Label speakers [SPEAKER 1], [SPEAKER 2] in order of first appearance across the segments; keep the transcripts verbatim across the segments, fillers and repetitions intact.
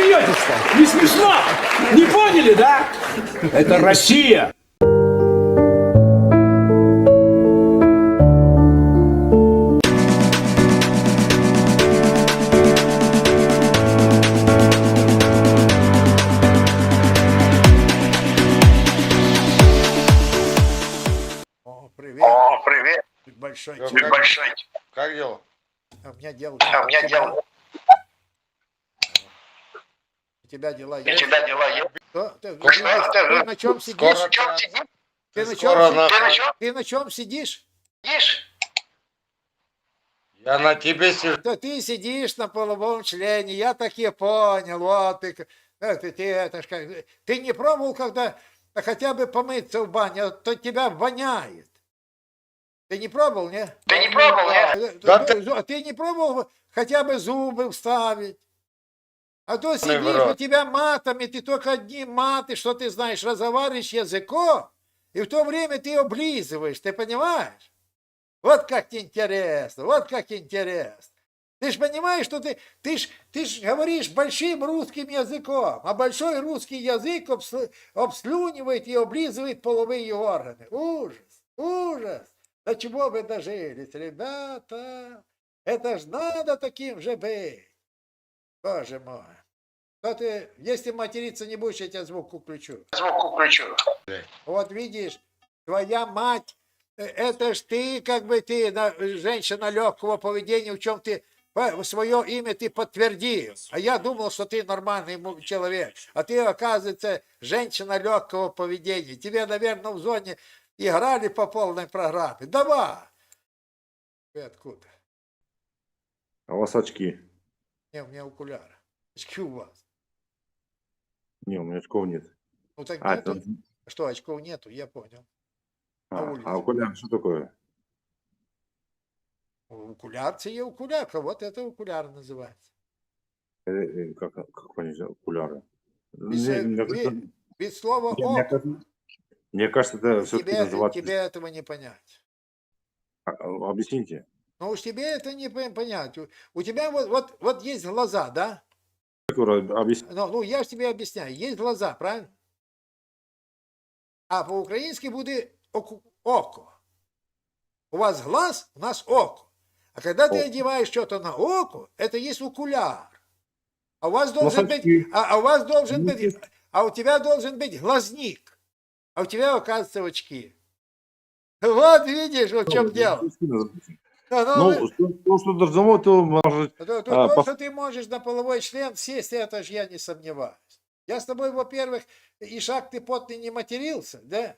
[SPEAKER 1] смеетесь-то? Не смешно? Не поняли, да? Это Россия.
[SPEAKER 2] О, привет.
[SPEAKER 3] О, привет.
[SPEAKER 2] Большой.
[SPEAKER 4] Ну,
[SPEAKER 2] человек.
[SPEAKER 4] как-
[SPEAKER 3] Большой.
[SPEAKER 4] Как дела?
[SPEAKER 2] А у меня дела.
[SPEAKER 3] А у меня
[SPEAKER 2] у тебя-
[SPEAKER 3] дела.
[SPEAKER 2] У тебя дела
[SPEAKER 3] У
[SPEAKER 2] есть?
[SPEAKER 3] тебя дела есть?
[SPEAKER 2] Что? Ты,
[SPEAKER 4] Скоро-
[SPEAKER 2] ты- ты на чем сидишь?
[SPEAKER 4] Скоро-
[SPEAKER 3] Чем сидишь?
[SPEAKER 2] Ты на
[SPEAKER 4] Скоро
[SPEAKER 2] чем,
[SPEAKER 4] на-
[SPEAKER 2] си-
[SPEAKER 3] Ты на чем
[SPEAKER 2] ты на чем сидишь?
[SPEAKER 3] сидишь?
[SPEAKER 4] Я на тебе сижу.
[SPEAKER 2] Да ты сидишь на половом члене, я так и понял. Вот ты, э, ты, ты, это ж как, ты не пробовал, когда хотя бы помыться в бане, а то тебя воняет. Ты не пробовал, не?
[SPEAKER 3] Ты не пробовал, нет?
[SPEAKER 2] Э,
[SPEAKER 4] Да
[SPEAKER 2] ты, зу- ты не пробовал хотя бы зубы вставить? А то сидишь,
[SPEAKER 4] враг.
[SPEAKER 2] у тебя матами, ты только одни маты, что ты знаешь, разговариваешь языком, и в то время ты облизываешь, ты понимаешь? Вот как интересно, вот как интересно. Ты же понимаешь, что ты, ты ж, ты ж говоришь большим русским языком, а большой русский язык обс- обслюнивает и облизывает половые органы. Ужас, ужас. До чего вы дожились, ребята? Это ж надо таким же быть. Боже мой. Что ты, если материться не будешь, я тебя звук включу.
[SPEAKER 3] Звук включу.
[SPEAKER 2] Вот видишь, твоя мать, э, это ж ты, как бы ты, на- женщина легкого поведения, в чем ты по- свое имя ты подтвердил. А я думал, что ты нормальный му- человек. А ты, оказывается, женщина легкого поведения. Тебе, наверное, в зоне играли по полной программе. Давай. Ты откуда?
[SPEAKER 5] А у вас очки?
[SPEAKER 2] Не, у меня окуляры. Очки у вас.
[SPEAKER 5] Не, у меня очков нет.
[SPEAKER 2] Ну так
[SPEAKER 5] А,
[SPEAKER 2] нету.
[SPEAKER 5] это...
[SPEAKER 2] Что, очков нету, я понял.
[SPEAKER 5] а,
[SPEAKER 2] на улице.
[SPEAKER 5] а окуляр что такое?
[SPEAKER 2] Окуляр, це є окулярка, вот это окуляр называется.
[SPEAKER 5] Э, э, Как, как понять, окуляры?
[SPEAKER 2] Без,
[SPEAKER 5] Мне,
[SPEAKER 2] э,
[SPEAKER 5] мне
[SPEAKER 2] ви-
[SPEAKER 5] кажется,
[SPEAKER 2] без слова
[SPEAKER 5] не, мне
[SPEAKER 2] око.
[SPEAKER 5] кажется- мне кажется, это все-таки
[SPEAKER 2] Тебе,
[SPEAKER 5] называется...
[SPEAKER 2] тебе этого не понять.
[SPEAKER 5] А, а, Объясните.
[SPEAKER 2] Ну уж тебе это не пон- понять. У, у тебя вот, вот, вот есть глаза, да?
[SPEAKER 5] Как вы ра- объясните?
[SPEAKER 2] Ну, ну я же тебе объясняю. Есть глаза, правильно? А по-українськи буде оку- око. У вас глаз, у нас око. А когда ты
[SPEAKER 5] Око.
[SPEAKER 2] одеваешь что-то на око, это есть окуляр. А у вас
[SPEAKER 5] Ну,
[SPEAKER 2] должен
[SPEAKER 5] очки.
[SPEAKER 2] быть, а, а у вас должен
[SPEAKER 5] Ну,
[SPEAKER 2] быть, а у тебя должен быть глазник. А у тебя, оказывается, очки. Вот видишь, вот в чем дело. Ну, ну,
[SPEAKER 5] Ну, что, то, что должно, то может...
[SPEAKER 2] то, то,
[SPEAKER 5] а,
[SPEAKER 2] то,
[SPEAKER 5] по-
[SPEAKER 2] что ты можешь на половой член сесть, это же я не сомневаюсь. Я с тобой, во-первых, и шаг ты потный не матерился, да?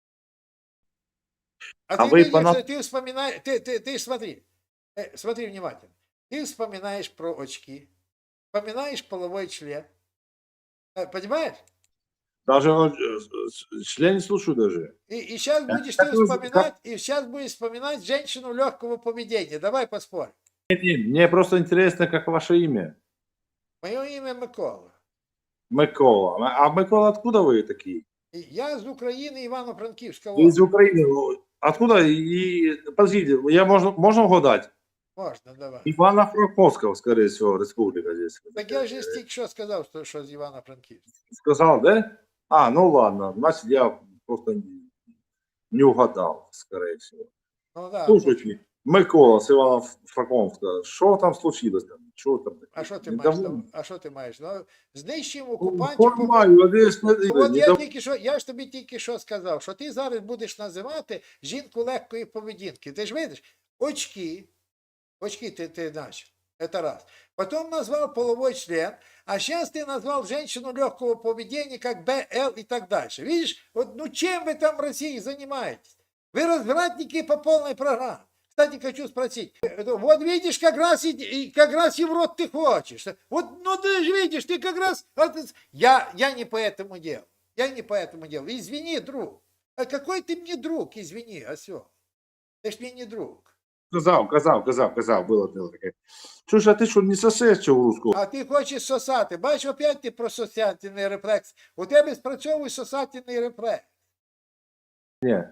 [SPEAKER 2] А,
[SPEAKER 5] А
[SPEAKER 2] ты
[SPEAKER 5] вы
[SPEAKER 2] видишь,
[SPEAKER 5] по на-
[SPEAKER 2] ты вспоминаешь, ты, ты, ты смотри, э, смотри внимательно. Ты вспоминаешь про очки, вспоминаешь половой член. Э, Понимаешь?
[SPEAKER 5] Даже э, э, член не слушаю даже.
[SPEAKER 2] И, и сейчас
[SPEAKER 5] Да,
[SPEAKER 2] будешь
[SPEAKER 5] как
[SPEAKER 2] ты
[SPEAKER 5] вы-
[SPEAKER 2] вспоминать, и сейчас будешь вспоминать женщину легкого поведения. Давай поспорим.
[SPEAKER 5] Нет, нет, мне просто интересно, как ваше имя.
[SPEAKER 2] Мое имя Микола.
[SPEAKER 5] Микола. А Микола, откуда вы такие?
[SPEAKER 2] И я из Украины, Ивано-Франківська
[SPEAKER 5] Вы из
[SPEAKER 2] область.
[SPEAKER 5] Украины. Ну, откуда? И, подождите, я можно, можно угадать?
[SPEAKER 2] Можно, давай.
[SPEAKER 5] Ивано-Франковского, скорее всего, республика здесь.
[SPEAKER 2] Так я же тільки що сказав, що, що з Івано-Франківська.
[SPEAKER 5] Сказал, да? А, ну ладно, значит, я просто не, не угадал, скорее всего.
[SPEAKER 2] Ну да.
[SPEAKER 5] Слушайте, Микола с Ивано-Франковска, что там случилось? Там? Что там?
[SPEAKER 2] А що ти
[SPEAKER 5] Недовольны?
[SPEAKER 2] маєш? А що ти маєш? Ну, знищимо
[SPEAKER 5] Ну,
[SPEAKER 2] окупантів. по-
[SPEAKER 5] Понимаю, десь не-
[SPEAKER 2] От я
[SPEAKER 5] недов-
[SPEAKER 2] тільки що, я ж тобі тільки що сказав, що ти зараз будеш називати жінку легкої поведінки. Ти ж видиш, очки, очки ти, ти знаєш, це раз. Потім назвав половой член, а зараз ти назвав женщину легкого поведения, как Б Л и так дальше. Видишь, вот, ну чем вы там в России занимаетесь? Вы развратники по полной программе. Кстати, хочу спросить, э, вот видишь, как раз и, и как раз и в рот ты хочешь. Вот, ну ты же видишь, ты как раз... а ты- Я, я не по этому делу. Я не по этому делу. Извини, друг. А какой ты мне друг, извини, осел. Ты ж мне не друг.
[SPEAKER 5] Казав, казав, казав, казав, було дело таке. Чуєш, а ти що, не сосеш цього русского?
[SPEAKER 2] А ти хочеш сосати. Бачиш, опять ти про сосательний рефлекс. У тебе спрацьовує сосательний рефлекс.
[SPEAKER 5] Ні.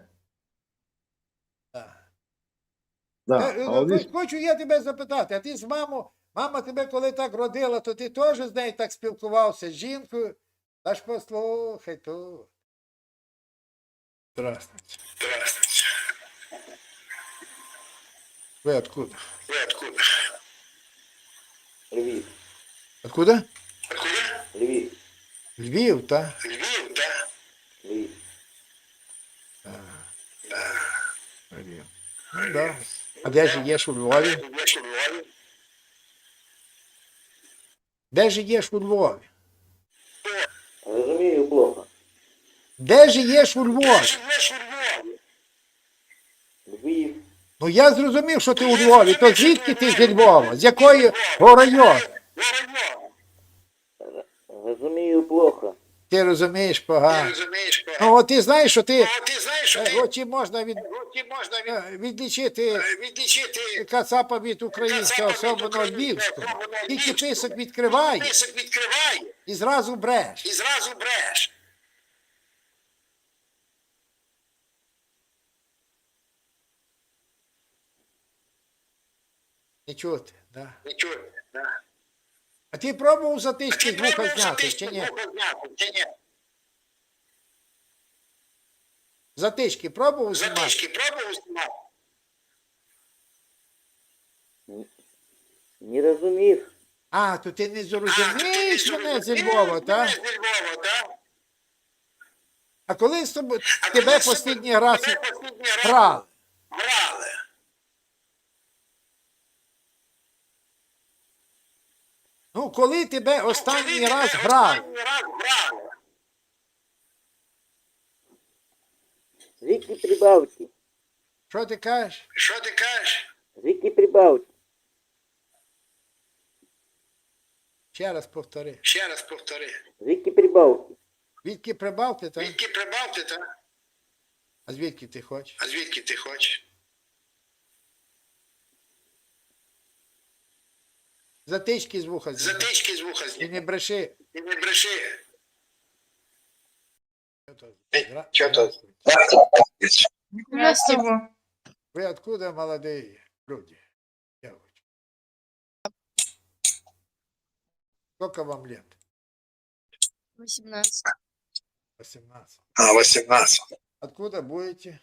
[SPEAKER 2] Так.
[SPEAKER 5] Да.
[SPEAKER 2] Е,
[SPEAKER 5] А
[SPEAKER 2] е,
[SPEAKER 5] от
[SPEAKER 2] Хочу я тебе запитати, а ти з мамою Мама тебе коли так родила, то ти теж з нею так спілкувався, з жінкою. Та ж послухай тут. Здравствуйте.
[SPEAKER 4] Здравствуйте.
[SPEAKER 2] Ви откуда?
[SPEAKER 4] Вы откуда?
[SPEAKER 6] Львів.
[SPEAKER 2] Откуда?
[SPEAKER 4] Откуда?
[SPEAKER 6] Львів.
[SPEAKER 2] Львів, та?
[SPEAKER 4] Львив, да?
[SPEAKER 6] Львів.
[SPEAKER 2] Львів. Ну, да. А де живеш у Львові?
[SPEAKER 4] Я что, в Львове?
[SPEAKER 2] Де живеш у Львові?
[SPEAKER 6] Розумію плохо.
[SPEAKER 2] Де живеш у Львові?
[SPEAKER 4] Живешь в Львове?
[SPEAKER 6] Львів.
[SPEAKER 2] Ну я зрозумів, що ти у Львові. То звідки ти зі Львова? З якої району?
[SPEAKER 4] Район.
[SPEAKER 6] Розумію плохо.
[SPEAKER 2] Ти розумієш
[SPEAKER 4] Ты
[SPEAKER 2] погано.
[SPEAKER 4] разумеешь, что?
[SPEAKER 2] Ну от ти знаєш, що ти
[SPEAKER 4] А ты знаешь, что
[SPEAKER 2] е,
[SPEAKER 4] ты...
[SPEAKER 2] от чи можна від,
[SPEAKER 4] Руки можно
[SPEAKER 2] е, відлічити
[SPEAKER 4] відлічити
[SPEAKER 2] кацапа від українського,
[SPEAKER 4] Кацапа від
[SPEAKER 2] особливо
[SPEAKER 4] українського,
[SPEAKER 2] львівського.
[SPEAKER 4] особливо
[SPEAKER 2] Тільки
[SPEAKER 4] львівського.
[SPEAKER 2] писок відкриває
[SPEAKER 4] список відкриває
[SPEAKER 2] і зразу бреш.
[SPEAKER 4] і зразу бреш.
[SPEAKER 2] Не чути, да.
[SPEAKER 4] Нічого, да.
[SPEAKER 2] А ти пробував затички з
[SPEAKER 4] Ти
[SPEAKER 2] вуха
[SPEAKER 4] пробував
[SPEAKER 2] зняти,
[SPEAKER 4] затички
[SPEAKER 2] чи ні?
[SPEAKER 4] з вуха зняти, чи ні?
[SPEAKER 2] Затички пробував знімати?
[SPEAKER 4] Затички пробував знімати?
[SPEAKER 6] Не розумів.
[SPEAKER 2] А, то ти не
[SPEAKER 4] А,
[SPEAKER 2] зрозумієш
[SPEAKER 4] ти не
[SPEAKER 2] мене зі
[SPEAKER 4] зрозумієш
[SPEAKER 2] Львова,
[SPEAKER 4] мене
[SPEAKER 2] так?
[SPEAKER 4] зі Львова, так?
[SPEAKER 2] А коли з тобою
[SPEAKER 4] А
[SPEAKER 2] тебе
[SPEAKER 4] коли з
[SPEAKER 2] останній
[SPEAKER 4] тобою-
[SPEAKER 2] раз
[SPEAKER 4] тебе останній раз
[SPEAKER 2] грали?
[SPEAKER 4] Грали.
[SPEAKER 2] Ну, коли тебе
[SPEAKER 4] Ну,
[SPEAKER 2] останній
[SPEAKER 4] коли
[SPEAKER 2] раз
[SPEAKER 4] тебе
[SPEAKER 2] грали?
[SPEAKER 4] Останній раз грали.
[SPEAKER 6] Звідки Прибалтики?
[SPEAKER 2] Що ти кажеш?
[SPEAKER 4] Що ти кажеш?
[SPEAKER 6] Звідки Прибалтики?
[SPEAKER 2] Ще раз повтори.
[SPEAKER 4] Ще раз повтори.
[SPEAKER 6] Звідки Прибалтики?
[SPEAKER 2] Звідки Прибалти, так?
[SPEAKER 4] Звідки Прибалти, так?
[SPEAKER 2] А звідки ти хочеш?
[SPEAKER 4] А звідки ти хочеш?
[SPEAKER 2] Затички з вуха зняти.
[SPEAKER 4] Затички з вуха
[SPEAKER 2] І
[SPEAKER 4] зняти.
[SPEAKER 2] не бреши.
[SPEAKER 4] І не бреши.
[SPEAKER 2] Здра-
[SPEAKER 4] Чого то?
[SPEAKER 2] Здравствуйте.
[SPEAKER 7] Здравствуйте.
[SPEAKER 2] Вы откуда, молодые люди? Девочки. Сколько вам лет?
[SPEAKER 7] восемнадцать.
[SPEAKER 2] восемнадцать.
[SPEAKER 4] А, восемнадцать.
[SPEAKER 2] Откуда будете?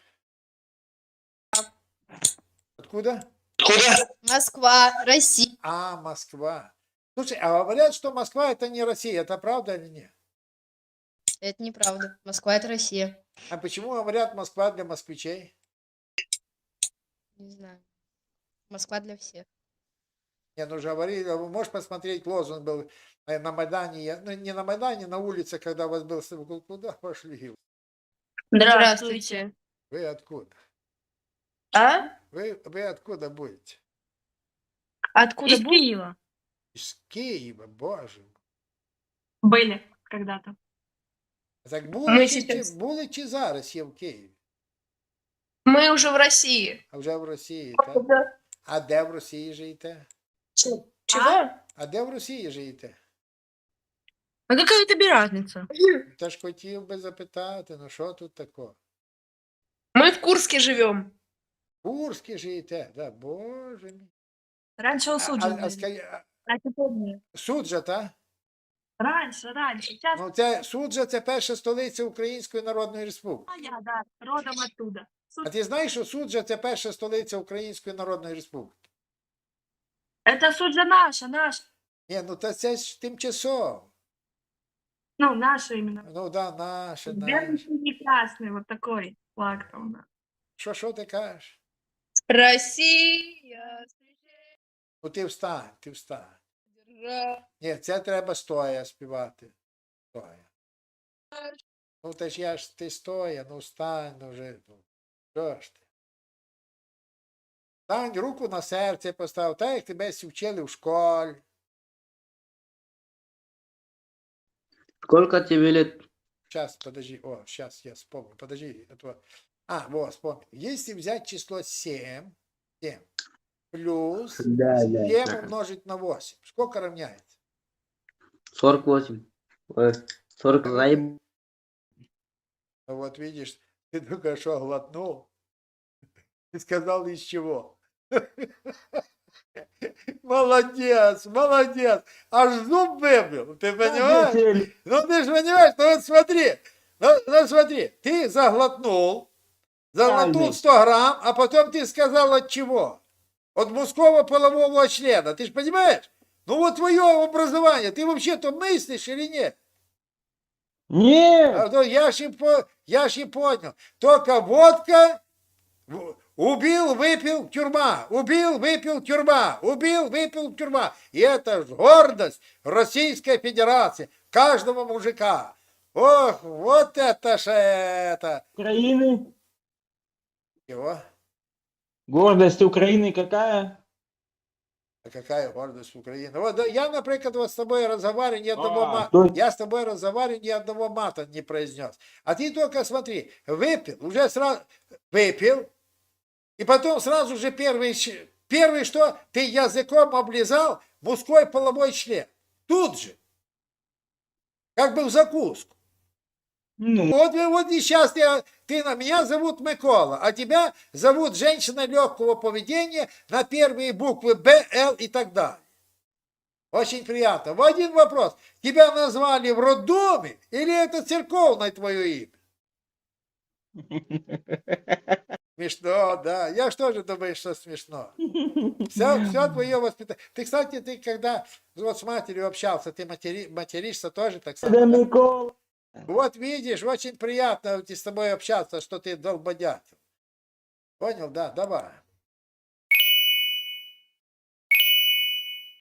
[SPEAKER 2] Откуда?
[SPEAKER 4] Куда?
[SPEAKER 7] Москва, Россия.
[SPEAKER 2] А, Москва. Слушай, а говорят, что Москва это не Россия. Это правда или нет?
[SPEAKER 7] Это неправда. Москва это Россия.
[SPEAKER 2] А почему говорят Москва для москвичей?
[SPEAKER 7] Не знаю. Москва для всех.
[SPEAKER 2] Не, ну же говорили, вы можешь посмотреть, лозунг был э, на Майдане, я- ну не на Майдане, на улице, когда у вас был, с- куда пошли?
[SPEAKER 7] Здравствуйте.
[SPEAKER 2] Вы откуда?
[SPEAKER 8] А?
[SPEAKER 2] Вы, вы откуда будете?
[SPEAKER 8] Откуда
[SPEAKER 9] Из
[SPEAKER 8] бу-
[SPEAKER 9] Киева
[SPEAKER 2] Из Киева, боже мой.
[SPEAKER 9] были когда-то.
[SPEAKER 2] Так
[SPEAKER 8] Ми
[SPEAKER 2] були, чи,
[SPEAKER 8] сейчас-
[SPEAKER 2] чи- були чи зараз є в Києві?
[SPEAKER 8] Мы уже в России.
[SPEAKER 2] А вже в Росії, так? А де в Росії живете?
[SPEAKER 8] Чего?
[SPEAKER 2] А де в Росії живете?
[SPEAKER 9] А какая тебе разница?
[SPEAKER 2] Та ж хотів би запитати, ну що тут такого?
[SPEAKER 8] Мы в Курске живем.
[SPEAKER 2] В Курській живете, да, боже мій.
[SPEAKER 9] Раньше
[SPEAKER 2] А,
[SPEAKER 9] у
[SPEAKER 2] а, а,
[SPEAKER 9] были.
[SPEAKER 2] ска- а,
[SPEAKER 9] А теперь нет.
[SPEAKER 2] Суджа, так?
[SPEAKER 9] Раньше, раньше. Сейчас
[SPEAKER 2] Ну, це Суджа це перша столиця Української Народної Республіки.
[SPEAKER 9] я, да, родом оттуда.
[SPEAKER 2] А ти знаєш, що Суджа це перша столиця Української Народної Республіки?
[SPEAKER 9] Это Суджа наша, наша.
[SPEAKER 2] Ні, ну та це ж тимчасово.
[SPEAKER 9] Ну, наша именно.
[SPEAKER 2] Ну да, наше,
[SPEAKER 9] Белый,
[SPEAKER 2] наше.
[SPEAKER 9] синий, красный, вот такой флаг там у нас.
[SPEAKER 2] Що, що ти кажеш?
[SPEAKER 7] Россия.
[SPEAKER 2] Ну ти встань, ти встань.
[SPEAKER 7] Держа-
[SPEAKER 2] Ні, це треба стоя співати. Стоя. Ну та ж я ж ти стоя, ну встань, ну вже. Ну, що ж ти? Стань, руку на серце постав, так як тебе всі вчили в школі.
[SPEAKER 6] Сколько тебе лет?
[SPEAKER 2] Сейчас, подожди, о, сейчас я вспомню, подожди. Это... А, вот, вспомнил. Если взять число семь, семь плюс
[SPEAKER 6] Да, да,
[SPEAKER 2] семь
[SPEAKER 6] да.
[SPEAKER 2] умножить на восемь, сколько равняется?
[SPEAKER 6] сорок восемь. Ой, сорок заеб...
[SPEAKER 2] Ну вот видишь, ты только что глотнул и сказал из чего. Молодец, молодец. Аж зуб выбил, ты понимаешь? Ну ты же понимаешь, ну вот смотри, ну, ну смотри, ты заглотнул, заглотнул сто грамм, а потом ты сказал от чего? От мужского полового члена, ты же понимаешь? Ну вот твое образование, ты вообще-то мыслишь или нет?
[SPEAKER 1] Нет!
[SPEAKER 2] А, ну, я ж и по- я ж и понял. Только водка, в- убил, выпил, тюрьма. Убил, выпил, тюрьма. Убил, выпил, тюрьма. И это ж гордость Российской Федерации. Каждого мужика. Ох, вот это ж это.
[SPEAKER 1] Украины?
[SPEAKER 2] Чего?
[SPEAKER 1] Гордость Украины какая?
[SPEAKER 2] А какая гордость Украины? Вот да, я, например, вот с тобой разговариваю, ни одного
[SPEAKER 1] А,
[SPEAKER 2] мата.
[SPEAKER 1] то-
[SPEAKER 2] Я с тобой разговариваю, ни одного мата не произнес. А ты только смотри, выпил, уже сразу выпил, и потом сразу же первый, щ- первый что? Ты языком облизал мужской половой член. Тут же. Как бы в закуску.
[SPEAKER 1] Ну,
[SPEAKER 2] Вот, и- вот и сейчас ты, ты на меня зовут Микола, а тебя зовут женщина легкого поведения на первые буквы Б, Л и так далее. Очень приятно. В один вопрос. Тебя назвали в роддоме или это церковное твое имя? Смешно, да. Я что же думаю, что смешно? Все, все твое воспитание. Ты, кстати, ты когда вот с матерью общался, ты матери, материшься тоже так само?
[SPEAKER 1] да,
[SPEAKER 2] да?
[SPEAKER 1] Микола.
[SPEAKER 2] Вот видишь, очень приятно с тобой общаться, что ты долбодятел. Понял, да, давай.